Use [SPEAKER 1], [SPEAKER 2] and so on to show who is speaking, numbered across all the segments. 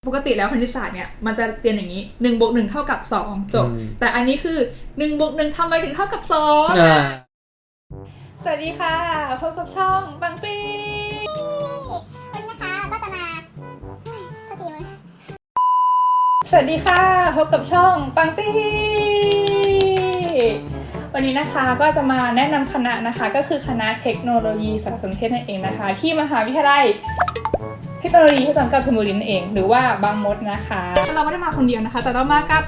[SPEAKER 1] ปกติแล้วคณิตศาสตร์เนี่ยมันจะเรียนอย่างนี้1 + 1 เท่ากับ2จบแต่อันนี้คือ1 + 1ทำไมถึงเท่ากับ2สวัสดีค่ะพบกับช่องปังปี้
[SPEAKER 2] วันนี้นะคะก็จะมา
[SPEAKER 1] สวัสดีค่ะพบกับช่องปังปี้วันนี้นะคะก็จะมาแนะนำคณะนะคะก็คือคณะเทคโนโลยีสารสนเทศนั่นเองนะคะที่มหาวิทยาลัยเทคโนโลยีพระจอมเกล้าธนบุรีนั่นเองหรือว่าบางมดนะคะเราไม่ได้มาคนเดียวนะคะแต่เรามากับ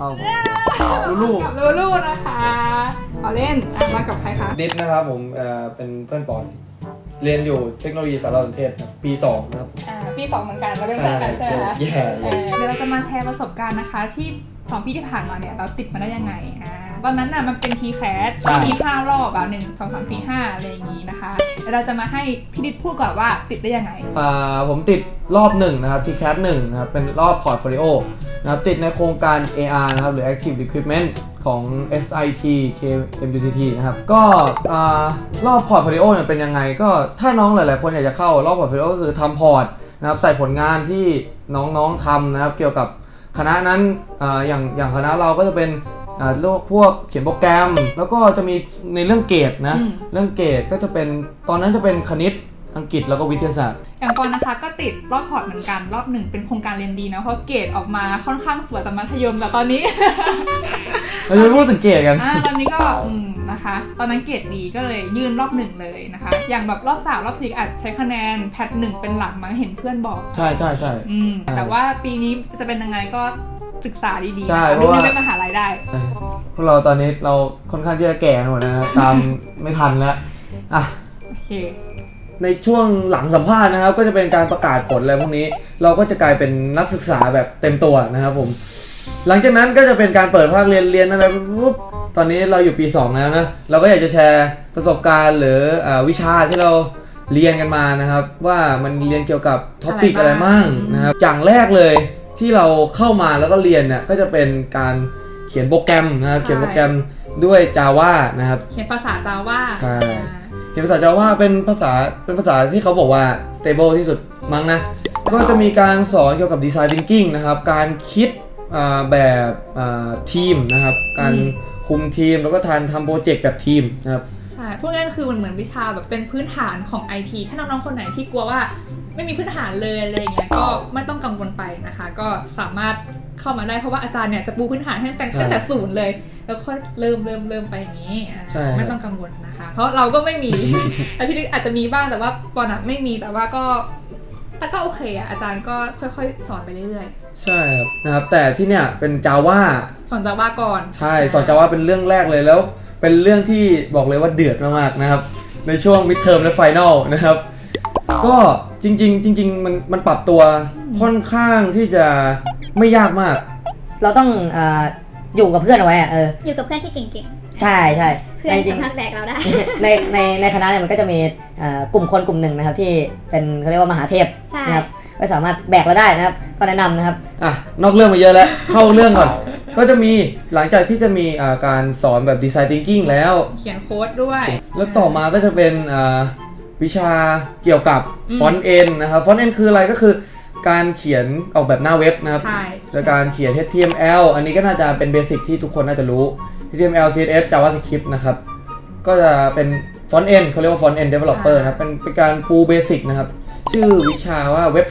[SPEAKER 1] ลูลูนะคะเอาเล่นมากับใครคะ
[SPEAKER 3] ดิสนะครับผมเป็นเพื่อนปอนเรียนอยู่เทคโนโลยีสารสนเทศปี2นะครับ
[SPEAKER 1] ปี2เหมือนกันเราเป็นเพื่อนกันใช่ไหมคะเดี๋ยวเราจะมาแชร์ประสบการณ์นะคะที่2 ปีที่ผ่านมาเนี่ยเราติดมาได้ยังไงตอนนั้นน่ะมันเป็น TCAS มี5 รอบ1 2 3 4 5อะไรอย่างนี้นะคะแล้วเราจะมาให้พี่ดิษพูดก่อนว่าติดได้ยังไง
[SPEAKER 3] ผมติดรอบ1นะครับ TCAS 1นะครับเป็นรอบพอร์ตโฟลิโอนะครับติดในโครงการ AR นะครับหรือ Active Recruitment ของ SIT KMUTT นะครับก็รอบพอร์ตโฟลิโอเนี่ยเป็นยังไงก็ถ้าน้องหลายๆคนอยากจะเข้ารอบพอร์ตโฟลิโอก็คือทำพอร์ตนะครับใส่ผลงานที่น้องๆทำนะครับเกี่ยวกับคณะนั้นอย่างคณะเราก็จะเป็นพวกเขียนโปรแกรมแล้วก็จะมีในเรื่องเกรดนะเรื่องเกรดก็จะเป็นตอนนั้นจะเป็นคณิตอังกฤษแล้วก็วิทยาศาสตร์
[SPEAKER 1] อย่างปอนนะคะก็ติดรอบพอร์ตเหมือนกันรอบ1เป็นโครงการเรียนดีนะเพราะเกรดออกมาค่อนข้างสวยแต่มัธยมแต่ตอนนี้
[SPEAKER 3] เราจะพูดถึงเกรดกัน
[SPEAKER 1] ตอนนี้ก็นะคะตอนนั้นเกรดดีก็เลยยื่นรอบ1เลยนะคะอย่างแบบรอบ3รอบ4อาจใช้คะแนนแพท1เป็นหลักมั้งเห็นเพื่อนบอก
[SPEAKER 3] ใช่
[SPEAKER 1] แต่ว่าปีนี้จะเป็นยังไงก็ศึกษาดีๆ
[SPEAKER 3] ใช่เพ
[SPEAKER 1] ราะ
[SPEAKER 3] ว่า
[SPEAKER 1] เป็นมหาลัยได้
[SPEAKER 3] พวกเราตอนนี้เราค่อนข้างที่จะแก่หมดนะตามไม่ทันแล้ว
[SPEAKER 1] โอเค
[SPEAKER 3] ในช่วงหลังสัมภาษณ์นะครับก็จะเป็นการประกาศผลอะไรพวกนี้เราก็จะกลายเป็นนักศึกษาแบบเต็มตัวนะครับผมหลังจากนั้นก็จะเป็นการเปิดภาคเรียนอะไรปุ๊บตอนนี้เราอยู่ปี2แล้วนะเราก็อยากจะแชร์ประสบการณ์หรือวิชาที่เราเรียนกันมานะครับว่ามันเรียนเกี่ยวกับท็อปิกอะไรมั่งนะครับอย่างแรกเลยที่เราเข้ามาแล้วก็เรียนเนี่ยก็จะเป็นการเขียนโปรแกรมนะครับเขียนโปรแกรมด้วย Java นะครับ
[SPEAKER 1] เขียนภาษา Java
[SPEAKER 3] ใช่เขียนภาษา Java เป็นภาษาที่เขาบอกว่า stable ที่สุดมั้งนะก็จะมีการสอนเกี่ยวกับ design thinking นะครับการคิดแบบทีมนะครับการคุมทีมแล้วก็ทำโปรเจกต์แบบทีมนะครับ
[SPEAKER 1] ใช่พวกนั้นคือเหมือนวิชาแบบเป็นพื้นฐานของ IT ถ้าน้องๆคนไหนที่กลัวว่าไม่มีพื้นฐานเลยอะไรอย่างเงี้ยก็ไม่ต้องกังวลไปนะคะก็สามารถเข้ามาได้เพราะว่าอาจารย์เนี่ยจะปูพื้นฐานให้ตั้งแต่ศูนย์เลยแล้วค่อยเริ่มไปอย่างนี้ไม่ต้องกังวลนะคะเพราะเราก็ไม่มี พี่ดิษอาจจะมีบ้างแต่ว่าปอนไม่มีแต่ว่าก็โอเคอาจารย์ก็ค่อยๆสอนไปเรื่อย
[SPEAKER 3] ๆใช่ครับนะครับแต่ที่เนี่ยเป็น Java
[SPEAKER 1] สอน Java ก่อน
[SPEAKER 3] ใช่สอน Java เป็นเรื่องแรกเลยแล้วเป็นเรื่องที่บอกเลยว่าเดือดมากๆนะครับในช่วง midterm และ final นะครับก็จริงมันปรับตัวค่อนข้างที่จะไม่ยากมาก
[SPEAKER 4] เราต้องอยู่กับเพื่อนเอาไว้
[SPEAKER 2] อยู่กับเพื่อนที่เก่ง
[SPEAKER 4] ๆใช่
[SPEAKER 2] เพื่อนสามารถแบกเราได้
[SPEAKER 4] ในคณะเนี่ยมันก็จะมีกลุ่มคนกลุ่มหนึ่งนะครับที่เป็นเขาเรียกว่ามหาเทพนะครับก็สามารถแบกเราได้นะครับก็แนะนำนะครับ
[SPEAKER 3] นอกเรื่องมาเยอะแล้ว เข้าเรื่องก่อนก็จะมีหลังจากที่จะมีการสอนแบบ design thinking แล้ว
[SPEAKER 1] เขียนโค้ดด้วย
[SPEAKER 3] แล้วต่อมาก็จะเป็นวิชาเกี่ยวกับ font end นะครับ font end คืออะไรก็คือการเขียนออกแบบหน้าเว็บนะครับและการเขียน HTML อันนี้ก็น่าจะเป็นเบสิกที่ทุกคนน่าจะรู้ HTML CSS JavaScript นะครับก็จะเป็น font end เขาเรียกว่า font end developer นะครับเป็นการปูเบสิกนะครับชื่อวิชาว่า Web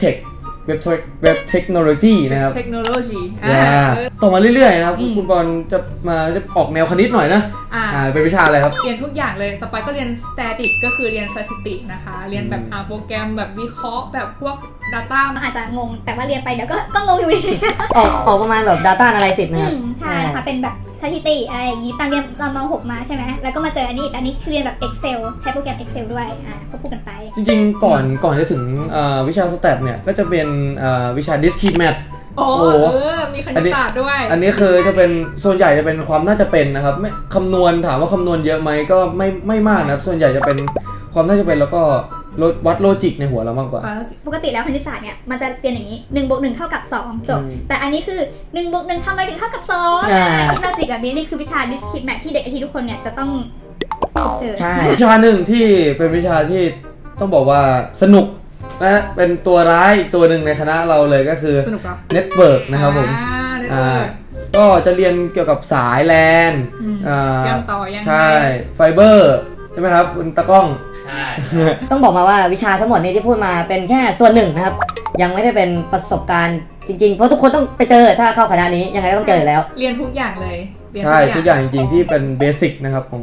[SPEAKER 3] Technology นะครับ
[SPEAKER 1] Technology
[SPEAKER 3] ต่อมาเรื่อยๆนะครับคุณบอลจะออกแนวคณิตหน่อยนะเป็นวิชาอะไรครับ
[SPEAKER 1] เรียนทุกอย่างเลยต่อไปก็เรียน static ก็คือเรียนสถิตินะคะเรียนแบบโปรแกรมแบบวิเคราะห์แบบพวก data
[SPEAKER 2] อาจจะงงแต่ว่าเรียนไปเดี๋ยวก็งงอยู่ดี
[SPEAKER 4] ออกประมาณแบบ data analysis นะครับ
[SPEAKER 2] ใช่นะคะเป็นแบบสถิติอะไรอย่างนี้ตอนเรียนตอนม.6 มาใช่ไหมแล้วก็มาเจออันนี้คือเรียนแบบ Excel ใช้โปรแกรม Excel ด้วยก็พูดกันไป
[SPEAKER 3] จริงๆก่อนจะถึงวิชา stat เนี่ยก็จะเป็นวิชา discrete math
[SPEAKER 1] มีคณิตศาสตร์ด้วย
[SPEAKER 3] อันนี้คือจะเป็นส่วนใหญ่จะเป็นความน่าจะเป็นนะครับไม่คำนวณถามว่าคำนวณเยอะไหมก็ไม่มากนะครับส่วนใหญ่จะเป็นความน่าจะเป็นแล้วก็วัดโลจิกในหัวเรามากกว่า
[SPEAKER 2] ปกติแล้วคณิตศาสตร์เนี่ยมันจะเรียนอย่างนี้1 + 1 เท่ากับ2จบแต่อันนี้คือ1 + 1ทำไมถึงเท่ากับ2คิดโลจิกแบบนี้นี่คือวิชา discrete math ที่เด็กทุกคนเนี่ยจะต้องเจอ
[SPEAKER 3] ใช่วิชาหนึ่งที่เป็นวิชาที่ต้องบอกว่าสนุกและเป็นตัวร้ายอีกตัวหนึ่งในคณะเราเลยก็คือ
[SPEAKER 1] สนุกเหรอ
[SPEAKER 3] Network นะครับผม
[SPEAKER 1] Network
[SPEAKER 3] ก็จะเรียนเกี่ยวกับสายแลน
[SPEAKER 1] เชื่อมต่อยังไง
[SPEAKER 3] ใช่ไฟเบอร์ใช่ไหมครับคุณตะก้อง
[SPEAKER 5] ใช่
[SPEAKER 4] ต้องบอกมาว่าวิชาทั้งหมดนี้ที่พูดมาเป็นแค่ส่วนหนึ่งนะครับยังไม่ได้เป็นประสบการณ์จริงๆเพราะทุกคนต้องไปเจอถ้าเข้าคณะนี้ยังไงก็ต้องเจออยู่แล้ว
[SPEAKER 1] เรียนทุกอย่างเลยเรียน
[SPEAKER 3] ใช่ทุกอย่างจริงๆที่เป็นเบสิกนะครับของ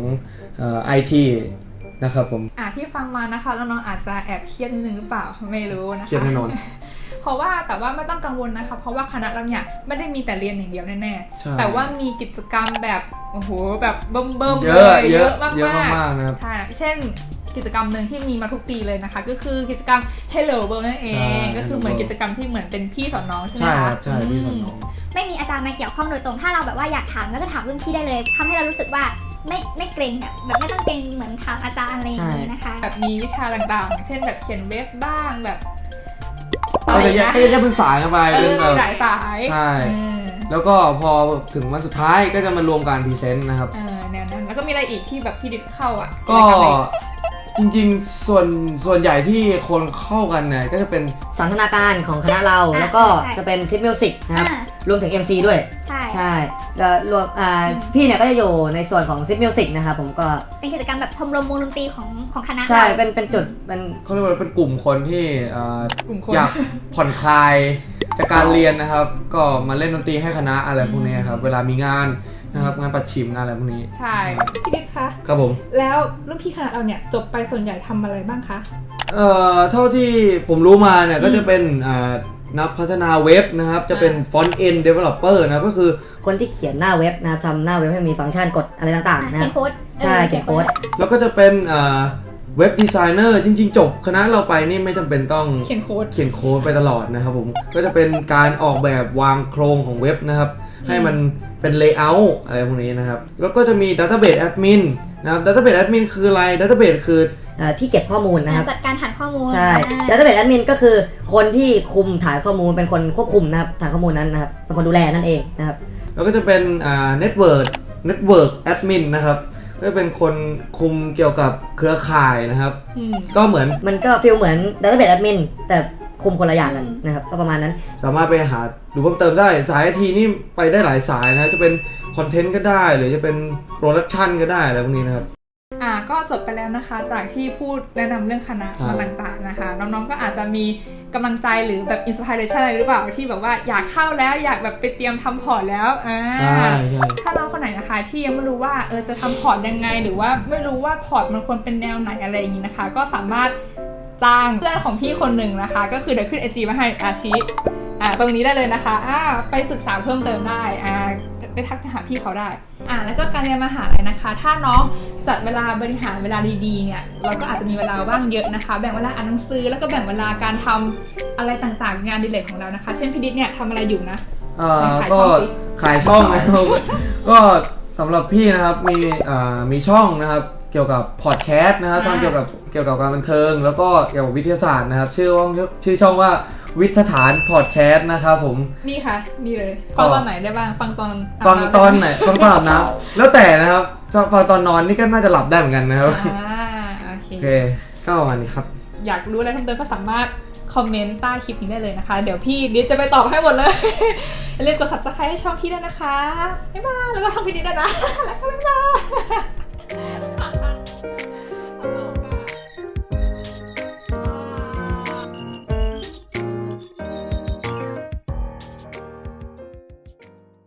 [SPEAKER 3] IT นะครับผม
[SPEAKER 1] ที่ฟังมานะคะน้องๆอาจจะแอบเครียดนิดนึงหรือเปล่าไม่รู้นะคะ
[SPEAKER 3] เครียดแน่นอน
[SPEAKER 1] เพราะว่าแต่ว่าไม่ต้องกังวลนะคะเพราะว่าคณะเราเนี่ยไม่ได้มีแต่เรียนอย่างเดียวแน่
[SPEAKER 3] ใช่
[SPEAKER 1] ๆแต่ว่ามีกิจกรรมแบบโอ้โหแบบเบิ่มๆ
[SPEAKER 3] เย
[SPEAKER 1] เล
[SPEAKER 3] อะ
[SPEAKER 1] ย
[SPEAKER 3] เยอะ
[SPEAKER 1] มาก
[SPEAKER 3] เยอะมากๆนะครับ
[SPEAKER 1] ใช่เช่นกิจกรรมหนึ่งที่มีมาทุกปีเลยนะคะ ก็คือกิจกรรม Hello World นั่นเอ
[SPEAKER 3] ใช่
[SPEAKER 1] งก็คือเหมือนกิจกรรมที่เหมือนเป็นพี่สอนน้องใช่ไหม
[SPEAKER 3] ใช่
[SPEAKER 1] คะ
[SPEAKER 3] ครับใช่พี่สอนน้อง
[SPEAKER 2] ไม่มีอาจารย์มาเกี่ยวข้องโดยตรงถ้าเราแบบว่าอยากถามก็จะถามรุ่นพี่ได้เลยทำให้เรารู้สึกว่าไม่เกรงอะแบบไม่ต้องเกรงเหมือนถามอาจารย์อะไรอย่างนี้นะคะ
[SPEAKER 1] แบบมีวิชาต่างๆ เช่นแบบเขียนเว็บบ้างแบบ
[SPEAKER 3] ก็จะแยกเป็นสายกันไปเป็นแบบ
[SPEAKER 1] หลายสาย
[SPEAKER 3] ใช่ แล้วก็พอถึงวันสุดท้ายก็จะมารวมการพรีเซนต์นะครับ
[SPEAKER 1] แนวนั้นแล้วก็มีอะไรอีกที่แบบพี่ดิดเข้าอ่ะ
[SPEAKER 3] ก็จริงๆส่วนใหญ่ที่คนเข้ากันเนี่ยก็จะเป็น
[SPEAKER 4] สันทนาการของคณะเราแล้วก็จะเป็นซิทมิวสิกนะครับรวมถึง MC ด้วย
[SPEAKER 2] ใช่
[SPEAKER 4] แล้วรวมพี่เนี่ยก็จะอยู่ในส่วนของซิทมิวสิกนะครับผมก็
[SPEAKER 2] เป็นกิจกรรมแบบชมรมวงดนตรีของคณะ
[SPEAKER 4] ใช่
[SPEAKER 2] เรา
[SPEAKER 4] เป็นจุดเป็น
[SPEAKER 3] เขาเรียกว่าเป็นกลุ่มคนที่
[SPEAKER 1] กลุ่มคน
[SPEAKER 3] อยากผ่อนคลายจากการเรียนนะครับ ก็มาเล่นดนตรีให้คณะอะไรพวกนี้ครับเวลามีงานนะครับงานประชิมงานอะไรพวกนี้
[SPEAKER 1] ใช่พี่ดิดคะ
[SPEAKER 3] ครับผม
[SPEAKER 1] แล้วรุ่นพี่คณะเราเนี่ยจบไปส่วนใหญ่ทำอะไรบ้างคะ
[SPEAKER 3] เท่าที่ผมรู้มาเนี่ยก็จะเป็นนักพัฒนาเว็บนะครับจะเป็น front end developer นะก็คือ
[SPEAKER 4] คนที่เขียนหน้าเว็บนะครับทำหน้าเว็บให้มีฟังก์ชันกดอะไรต่างๆนะค
[SPEAKER 2] เขี
[SPEAKER 4] รั
[SPEAKER 2] ย
[SPEAKER 4] บ
[SPEAKER 2] นโค้ด
[SPEAKER 4] ใช่เขียนโค้ด
[SPEAKER 3] แล้วก็จะเป็นเว็บดีไซเนอร์จริงๆจบคณะเราไปนี่ไม่จำเป็นต้อง
[SPEAKER 1] เขียนโค้ด
[SPEAKER 3] เขียนโค้ดไปตลอดนะครับผมก็จะเป็นการออกแบบวางโครงของเว็บนะครับให้มันเป็นเลเยอร์อะไรพวกนี้นะครับแล้วก็จะมี Database Admin นะครับ Database Admin คืออะไร Database คือ
[SPEAKER 4] ที่เก็บข้อมูลนะครับ
[SPEAKER 2] จัดการฐานข้อมูล
[SPEAKER 4] ใช่ Database Admin ก็คือคนที่คุมฐานข้อมูลเป็นคนควบคุมนะครับฐานข้อมูลนั้นนะครับเป็นคนดูแลนั่นเองนะครับ
[SPEAKER 3] แล้วก็จะเป็นNetwork Admin นะครับก็จะเป็นคนคุมเกี่ยวกับเครือข่ายนะครับก็เหมือน
[SPEAKER 4] มันก็ฟีลเหมือน Database Admin แต่คุมคนละอย่างกันนะครับก็ประมาณนั้น
[SPEAKER 3] สามารถไปหาดูเพิ่มเติมได้สาย IT นี่ไปได้หลายสายนะจะเป็นคอนเทนต์ก็ได้หรือจะเป็นโปรดักชันก็ได้อะไรพวกนี้นะครับ
[SPEAKER 1] ก็จบไปแล้วนะคะจากที่พูดแนะนำเรื่องคณะมาต่างๆนะคะน้องๆก็อาจจะมีกำลังใจหรือแบบอินสปิเรชันอะไรหรือเปล่าที่แบบว่าอยากเข้าแล้วอยากแบบไปเตรียมทำพอร์ตแล้ว
[SPEAKER 3] ใช่
[SPEAKER 1] ถ้าน้องคนไหนนะคะที่ยังไม่รู้ว่าจะทำพอร์ตยังไงหรือว่าไม่รู้ว่าพอร์ตมันควรเป็นแนวไหนอะไรอย่างนี้นะคะก็สามารถจ้างเพื่อนของพี่คนหนึ่งนะคะก็คือเดี๋ยวขึ้น IG มาให้ชี้ตรงนี้ได้เลยนะคะไปศึกษาเพิ่มเติมได้ไปทักหาพี่เขาได้แล้วก็การเรียนมหาลัยนะคะถ้าน้องจัดเวลาบริหารเวลาดีๆเนี่ยเราก็อาจจะมีเวลาว่างเยอะนะคะแบ่งเวลาอ่านหนังสือแล้วก็แบ่งเวลาการทำอะไรต่างๆงานอดิเรกของเรานะคะเช่นพี่ดิษเนี่ยทำอะไรอยู่นะ
[SPEAKER 3] ก็ขายช่องนะครับก็สำหรับพี่นะครับมีช่องนะครับเกี่ยวกับพอดแคสต์นะครับทำเกี่ยวกับการบันเทิงแล้วก็เกี่ยวกับวิทยาศาสตร์นะครับชื่อช่องว่าวิทยาฐานพอดแคสต์นะครับผม
[SPEAKER 1] นี่ค่ะนี่เลยฟังตอนไหนได้บ้างฟังตอนไหน
[SPEAKER 3] ฟังตอนอาบน้ำแล้วแต่นะครับจะฟังตอนนอนนี่ก็น่าจะหลับได้เหมือนกันนะครับ
[SPEAKER 1] โอเค
[SPEAKER 3] ก็ประมาณนี้ครับ
[SPEAKER 1] อยากรู้อะไรเพิ่มเติมก็สามารถคอมเมนต์ใต้คลิปนี้ได้เลยนะคะเดี๋ยวพี่ดิษจะไปตอบให้หมดเลยอย่าลืมกด Subscribe ให้ช่องพี่ด้วยนะคะบ๊ายบายแล้วก็ช่องพี่ดิษด้วยนะแล้วก็บ๊ายบาย